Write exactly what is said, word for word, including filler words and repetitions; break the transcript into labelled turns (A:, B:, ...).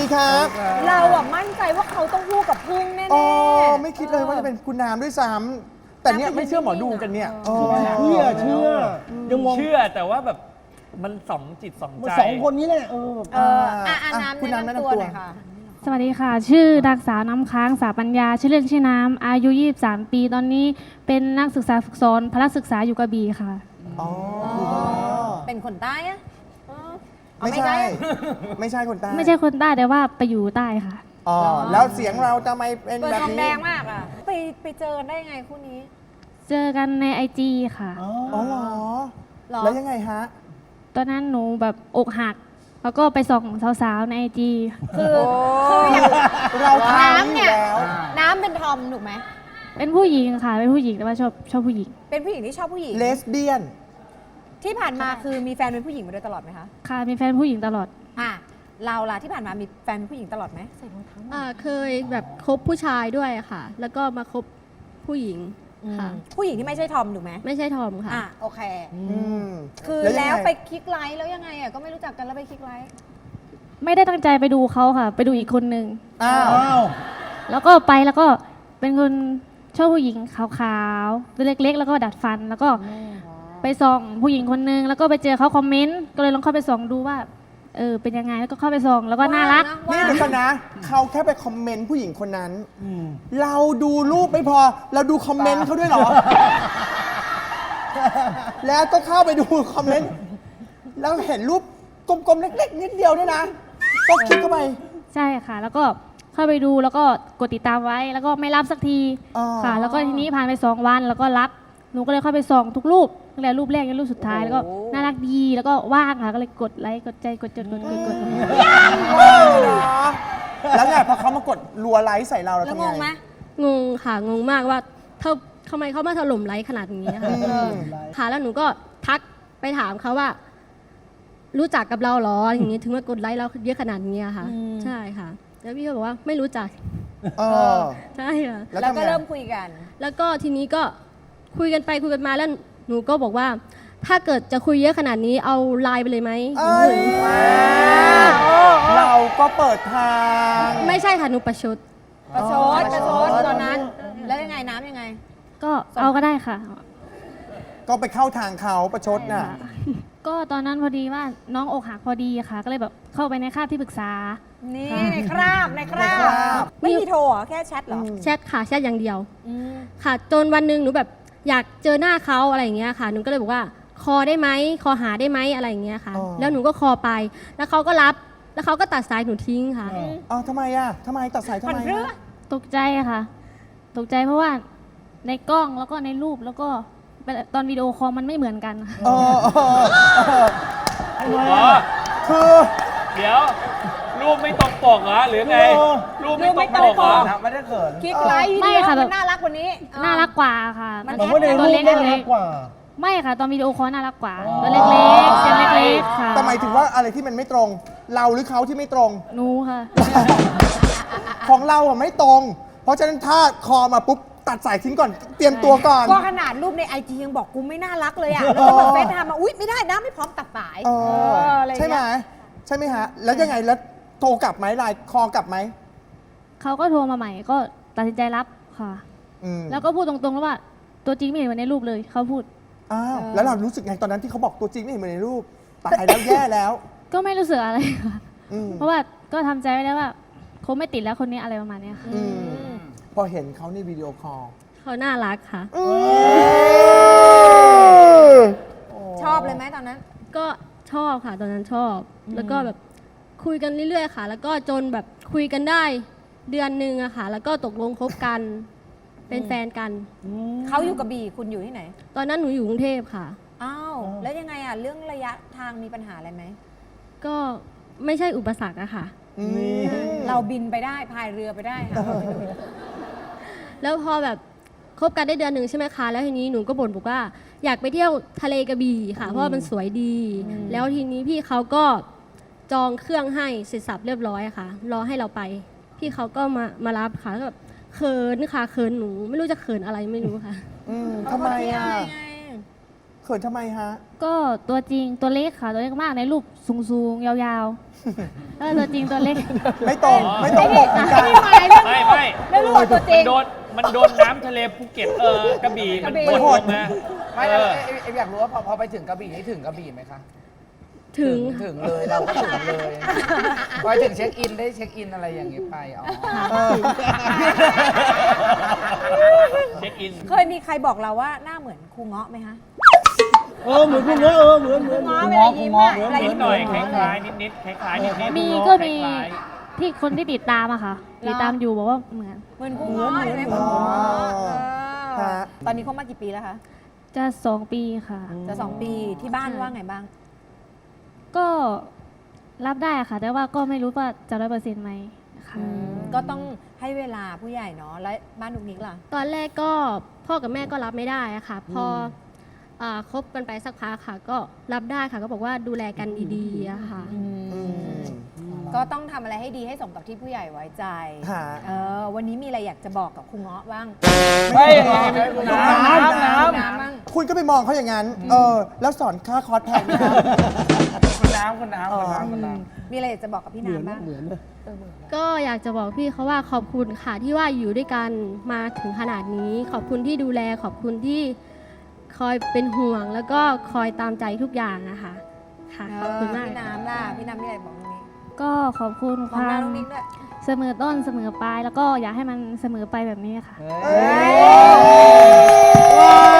A: ครับ
B: เราอะมั่นใจว่าเขาต้องคู่กับพึ่งแน่ๆ
A: อ๋อไม่คิดเลยว่าจะเป็นคุณน้ำด้วยซ้ำแต่เนี่ยไม่เชื่อหมอดูกันเนี่ย
B: เออ
C: เชื่อเชื่อยังมอง
D: เชื่อแต่ว่าแบบมันสองจิตสองใจ
C: สองคนนี้แหละเออ
B: เอออ่ะอ่ะ
A: อ่ะ
B: น้ำ
A: คุณ
B: แนะ
A: น้ำแนะ
B: นำ
A: นำ
B: ตัว
A: ตัว
B: หน่อยค่ะ
E: สวัสดีค่ะ ชื่อนางสาวน้ำค้างสาปัญญา ชื่อเล่นชื่อน้ำ อายุ ยี่สิบสาม ปี ตอนนี้เป็นนักศึกษาฝึกสอนพละศึกษาอยู่กระบี่ค่ะ
A: อ๋อ
B: เป็นคนใต้อะเออเอา
A: ไม่ใช่
B: อะ
A: ไม่ใช่คนใต้
E: ไม่ใช่คนใต้แต่ว่าไปอยู่ใต้ค่ะ
A: อ๋อแล้วเสียงเราทำไมเป็น
B: เปิด
A: แบบ
B: ทอง
A: นี้
B: แดงมากอะไปไปเจอกันได้ยังไงคู่นี้
E: เจอกันในไอจีค่ะ
A: อ๋อเหรอ
B: เหรอ
A: แล้วยังไงฮะ
E: ตอนนั้นหนูแบบอกหัก แล้วก็ไปส่องสาวๆในไอจี
B: คือคืออย่าง
A: เราทำ
B: น้ำ
A: อ
B: เนี่
A: ยู่
B: ย
A: แล้ว
B: น้ำเป็นทอมถูกไหม
E: เป็นผู้หญิงค่ะ เป็นผู้หญิงแต่ว่าชอบชอบผู้หญิง
B: เป็นผู้หญิงที่ชอบผู้หญิง
A: เลสเบี้ยน
B: ที่ผ่านมาคือมีแฟนเป็นผู้หญิงมาโดยตลอดไหมคะ
E: ค่ะ มีแฟนผู้หญิงตลอด
B: อ่ะเราล่ะที่ผ่านมามีแฟนเป็นผู้หญิงตลอดไหม
F: อ่าเคยแบบคบผู้ชายด้วยค่ะ แล้วก็มาคบผู้หญิงค่ะ
B: ผู้หญิงที่ไม่ใช่ทอมถูกไหม
F: ไม่ใช่ทอมค่ะ
B: อ่ะโอเค
A: อืม
B: คือ
A: ยัง
B: แล้ว
A: ไง
B: ไปคลิกไลค์แล้วยังไงอ่ะก็ไม่รู้จักกันแล้วไปคลิกไลค์
E: ไม่ได้ตั้งใจไปดูเขาค่ะ ไปดูอีกคนนึง
A: อ้าว
C: อ้าว
E: แล้วก็ไปแล้วก็เป็นคนชอบผู้หญิงขาวๆตัวเล็กๆ แล้วก็ดัดฟัน แล้วก็ไปส่องผู้หญิงคนนึง แล้วก็ไปเจอเขาคอมเมนต์ ก็เลยลองเข้าไปส่องดูว่า เออ เป็นยังไง แล้วก็เข้าไปส่อง แล้วก็น่ารัก
A: นี่
B: ว่า
A: เดี๋ยวก่อนนะ เขาแค่ไปคอมเมนต์ผู้หญิงคนนั้น เราดูรูปไม่พอ เราดูคอมเมนต์เขาด้วยเหรอ แล้วก็เข้าไปดูคอมเมนต์ แล้วเห็นรูปกลมๆ เล็กๆ นิดเดียวด้วยนะ ก็คลิกเข้าไป
E: ใช่ค่ะ แล้วก็เข้าไปดูแล้วก็กดติดตามไว้ แล้วก็ไม่รับสักที
A: อ๋อ
E: ค่ะ แล้วก็ทีนี้ผ่านไปสองวันแล้วก็รับ หนูก็เลยเข้าไปส่องทุกรูปตั้งแต่รูปแรกจนรูปสุดท้าย แล้วก็น่ารักดี แล้วก็ว่างค่ะ ก็เลยกดไลค์ กดใจ กดจดกดกดกด
A: ว้าวเหรอแล้วไงพอเขามากดรัวไลค์ใส่เราเรา
B: แล้ว
A: ทำ
B: ง
A: ไง
B: งไหม
F: งงค่ะ งงมากว่าเธอทำไมเขามาถล่มไลค์ขนาดนี้ค่ะ
A: อืม
F: ค่ะ แล้วหนูก็ทักไปถามเขาว่า รู้จักกับเราเหรออย่างนี้ถึงมากดไลค์เราเยอะขนาดนี้อะค่ะ ใช่ค่ะ แล้วพี่ก็บอกว่าไม่รู้จัก
A: เออ
F: ใช่ค่ะ
A: แล้ว
B: แล้ว
A: ทำไง
B: ก็เริ่มคุยกัน
F: แล้วก็ทีนี้ก็คุยกันไปคุยกันมาแล้วหนูก็บอกว่า ถ้าเกิดจะคุยเยอะขนาดนี้เอาไลน์ไปเลยไหม
A: เอ้ยเราก็เปิดทาง
F: ไม่ใช่ค่ะหนูประชด
B: ประชด
A: อ๋อ
B: ประชดตอนนั้น แล้วยังไงน้ำยังไง
E: ก็เอาก็ได้ค่ะ
A: ก็ไปเข้าทางเขาประชดน่ะ
E: ก็ตอนนั้นพอดีว่าน้องอกหักพอดีค่ะ ก็เลยแบบเข้าไปในคาบที่ปรึกษา
B: นี่ในคราบในครา
A: ในครา
B: บบ ไม่มีโทรเหรอแค่แชทเหรอ
F: แชทค่ะแชทอย่างเดียว
B: อืม
F: ค่ะจนวันหนึ่งหนูแบบอยากเจอหน้าเขาอะไรอย่างเงี้ยค่ะหนูก็เลยบอกว่าคอได้ไหมคอหาได้ไหมอะไรอย่างเงี้ยค่ะ
A: อ๋อ
F: แล้วหนูก็คอไป แล้วเขาก็รับแล้วเขาก็ตัดสายหนูทิ้งค่ะ
A: อ๋อทำไมอ่ะทำไมตัดสายทำ
B: ผ่อน
A: ไม
B: เรือ
A: อะ
E: ตกใจค่ะ ตกใจเพราะว่าในกล้องแล้วก็ในรูปแล้วก็ตอนวิดีโอคอลมันไม่เหมือนกันค่ะ
A: เออเออเออ
D: อ๋อ
A: คือ
D: เดี๋ยว รูปไม่ตรงปกเหรอหรือไง รูปไม่ตรงปกเหรอ
C: ไม่ได้เขิน
B: คลิกไลค์
E: ไม่
B: วิดีโอ
E: ค่ะแบบ
B: มันน่ารักกว่านี้เออ
E: น่ารักกว่าค่ะ
B: มัน
C: ผมว่าในรู
E: ตัว
C: ป
E: เล็ก
C: น่ารั
E: เล็
C: ก
E: ก
C: กว่า
E: ไม่ค่ะ ตอนวิดีโอคอลน่ารักกว่า
C: อ๋อ
E: ตัวเล็กๆเสียงเล็กๆค่ะ
A: แต่หมายถึงว่าอะไรที่มันไม่ตรง เราหรือเขาที่ไม่ตรง
E: หนูค่ะ
A: ของเราอ่ะไม่ตรง เพราะฉะนั้นถ้าคอมาปุ๊บตัดสายทิ้งก่อน เตรียมตัวก่อน
B: ก็ขนาดรูปในไอจียังบอกกูไม่น่ารักเลยอ่ะ แล้วก็แบบเฟซไทม์มา อุ๊ย ไม่ได้นะไม่พร้อมตัดสาย
A: เออ
B: อะไรอย่าง
A: ใช่ไหม
B: เงี้ย
A: ใช่ไหมฮะ แล้วยังไงแล้วโทรกลับไหมไลน์คอกลับไหม
E: เขาก็โทรมาใหม่ก็ตัดสินใจรับค่ะ
A: อืม
E: แล้วก็พูดตรงๆแล้วว่า ตัวจริงไม่เห็นเหมือนในรูปเลยเขาพูด
A: อ้าวแล้วเรารู้สึกไงตอนนั้นที่เขาบอกตัวจริงไม่เห็นเหมือนในรูปตายแล้วแย่แล้ว
E: ก็ไม่รู้สึกอะไรค่ะ
A: อืม
E: เพราะว่าก็ทำใจไว้แล้วว่าคงไม่ติดแล้วคนนี้อะไรประมาณเนี้ยค่ะ
A: อืมพอเห็นเขาในวิดีโอคอล
F: เขาน่ารักค่ะ
B: ชอบเลยไหมตอนนั้น
F: ก็ชอบค่ะตอนนั้นชอบ แล้วก็แบบคุยกันเรื่อยๆค่ะ แล้วก็จนแบบคุยกันได้เดือนหนึ่งอะค่ะ แล้วก็ตกลงคบกัน เป็นแฟนกัน
B: เขาอยู่กระบี่คุณอยู่ที่ไหน
F: ตอนนั้นหนูอยู่กรุงเทพค่ะ
B: อ้าว แล้วยังไงอ่ะ เรื่องระยะทางมีปัญหาอะไรไหม
F: ก็ไม่ใช่อุปสรรคอะค่ะ
A: อืม
B: เราบินไปได้พายเรือไปได้ค่ะ
F: แล้วพอแบบคบกันได้เดือนหนึ่งใช่ไหมคะ แล้วทีนี้หนูก็บ่นบอกว่าอยากไปเที่ยวทะเลกระบี่ค่ะ เพราะว่ามันสวยดี แล้วทีนี้พี่เขาก็จองเครื่องให้เสร็จสับเรียบร้อยอะค่ะ รอให้เราไป พี่เขาก็มามารับค่ะแล้วแบบเขินค่ะเขินหนู ไม่รู้จะเขินอะไรไม่รู้ค่ะ
A: อืมทำไมอ่ะ
B: ไง
A: เขขินทำไมฮะ
E: ก็ตัวจริงตัวเล็กค่ะ ตัวเล็กมากในรูปสูงๆ ยาวๆแล้วตัวจริงตัวเล็ก
A: ไม่ตรงไม่ตรงปกเหมือนกัน
D: ไม่ไม่
B: แล้วรู้ว่าตัวจริง
D: มันโดนมันโดนน้ำทะเลภูเก็ตเออกระบี่มัน
B: กระบี่
D: โหดลงนะ
G: ไม่
D: เอ
G: แล้ว
D: อ
G: เอ๊ะเอ๊ะอยากรู้ว่าพอพอไปถึงกระบี่นี่ถึงกระบี่ไหมคะ
F: ถึง
G: ถึงเลยเราก็ถึงเลยไปถึงเช็คอินได้เช็คอินอะไรอย่างเงี้ยไปอ๋อ
A: เออ
D: เช็คอิน
B: เคยมีใครบอกเราว่าหน้าเหมือนครูเงาะไหมคะ
C: เออเหมือนคุณเนาะเออเหมือนเหมือน
B: เงาะเวลายิ้มอะเวลา
D: นิ
B: ยิ้
D: ด
B: ม
D: หน่อยค
B: เหมือน
D: ล้ายๆนิดๆคล้ายๆนิดๆ
E: มี
D: ค
E: ก็มี
D: ล้าย
E: ที่คนที่ติดตามอะค่ะ ติดตามอยู่บอกว่าเหมือน
B: เหมือนครูเงาะเห็นไหมเหมือนครูเงาะเออ
A: ฮะ
B: ตอนนี้เขามากี่ปีแล้วคะ
E: จะสองปีค่ะ
B: จะสองปีที่บ้านว่าไงบ้าง
E: ก็รับได้ค่ะ แต่ว่าก็ไม่รู้ว่าจะร้อยเปอร์เซ็นต์ไหมค่ะ
B: ก็ต้องให้เวลาผู้ใหญ่เนาะแล้วบ้านนุกนิกล่ะ
F: ตอนแรกก็พ่อกับแม่ก็รับไม่ได้อะค่ะ พออ่าคบกันไปสักพักค่ะ ก็รับได้ค่ะ ก็บอกว่าดูแลกันดีๆอะค่ะ
B: ก็ต้องทำอะไรให้ดีให้สมกับที่ผู้ใหญ่ไว้ใจ
A: ฮะ
B: เออวันนี้มีอะไรอยากจะบอกกับครูเงาะบ้าง
D: ๆไม่น้ำน้ำน้ำ
B: น้ำบ้าง
A: คุณก็ไปมองเขาอย่างนั้น เออ แล้วสอนค่าคอร์สแพงไหมครับ
G: คุณน้ำคุณน้ำคุณน้ำคุณน้ำ
B: มีอะไรอยากจะบอกกับพี่
C: เหมือน
B: น้ำบ้าง
C: เหมือนนะ
F: ก็อยากจะบอกพี่เขาว่าขอบคุณค่ะที่ว่าอยู่ด้วยกันมาถึงขนาดนี้ ขอบคุณที่ดูแลขอบคุณที่คอยเป็นห่วง แล้วก็คอยตามใจทุกอย่างนะคะค่ะขอบคุณมาก
B: พี่น้ำล่ะ พี่น้ำมีอะไรบอกตรงนี้
E: ก็ขอบคุณ
B: ม
E: ค
B: องห
E: วา
B: น้าม น้องนิกด้วย
E: เสมอต้นเสมอปลาย แล้วก็อยากให้มันเสมอไปแบบนี้ค่ะ
A: ว้า